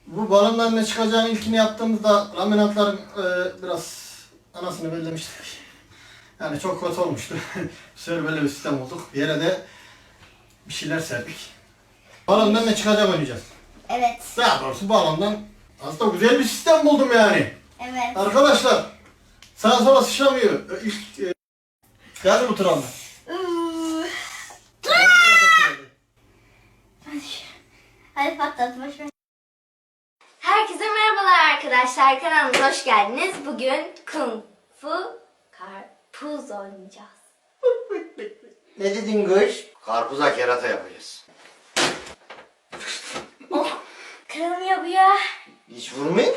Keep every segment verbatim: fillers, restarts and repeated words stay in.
Bu balondan ne çıkacağını ilkini yaptığımızda laminatların e, biraz anasını bellemiştik. Yani çok kötü olmuştu. Bu sefer böyle bir sistem olduk. Yere de bir şeyler serdik. Balondan ne çıkacak oynayacağız. Evet. Daha doğrusu balondan aslında güzel bir sistem buldum yani. Evet. Arkadaşlar sağa sola sıçramıyor. İlk e, geldi bu travma. Hadi patlat boşver. Herkese merhabalar arkadaşlar. Kanalımıza hoş geldiniz. Bugün Kung Fu Karpuz oynayacağız. Ne dedin kız? Karpuza kerata yapacağız. Oh, kırılmıyor bu ya. Hiç vurmayayım.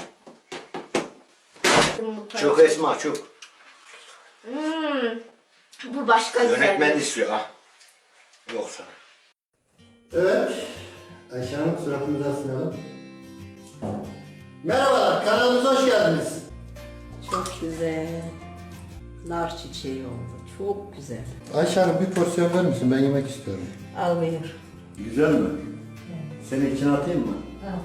Bu Çok Esma çok. Hmm, bu başka güzel. Yönetmen istiyor ha. Yok sana. Evet. Ayşe Hanım suratınızı asmayalım. Merhabalar, kanalımıza hoş geldiniz. Çok güzel. Nar çiçeği oldu. Çok güzel. Ayşe Hanım bir porsiyon verir misin? Ben yemek istiyorum. Al buyur. Güzel mi? Senin için atayım mı? Al.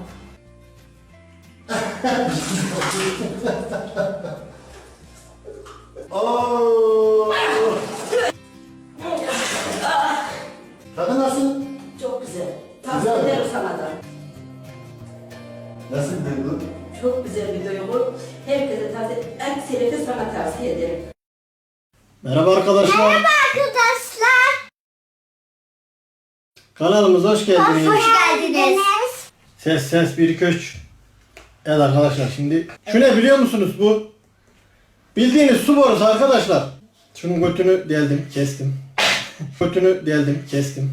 Oo! Tadı nasıl? Çok güzel. Güzel Tavsiye mi? ederim sana da. Nasıl bir duygu? Çok güzel bir duygu. Herkese tavsiye, aksine de sana tavsiye ederim. Merhaba arkadaşlar. Merhaba arkadaşlar. Kanalımıza hoş geldiniz. Hoş geldiniz. Ses ses bir iki üç. Evet arkadaşlar şimdi şu ne biliyor musunuz bu? Bildiğiniz su borusu arkadaşlar. Şunun götünü deldim, kestim. Götünü deldim, kestim.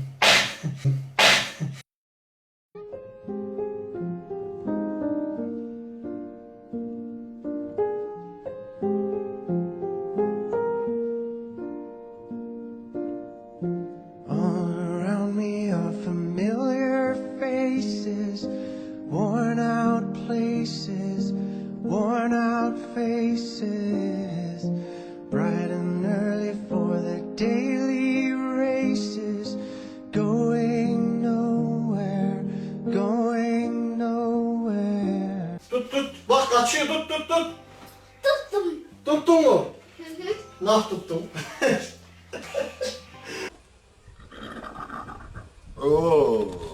All around me are familiar faces, worn out places, worn out faces, bright and early for the daily races, going nowhere, going nowhere. Tut tut. Bak kaçıyor tut tut tut. Tuttum. Tuttun mu? Nah tuttum. Oo.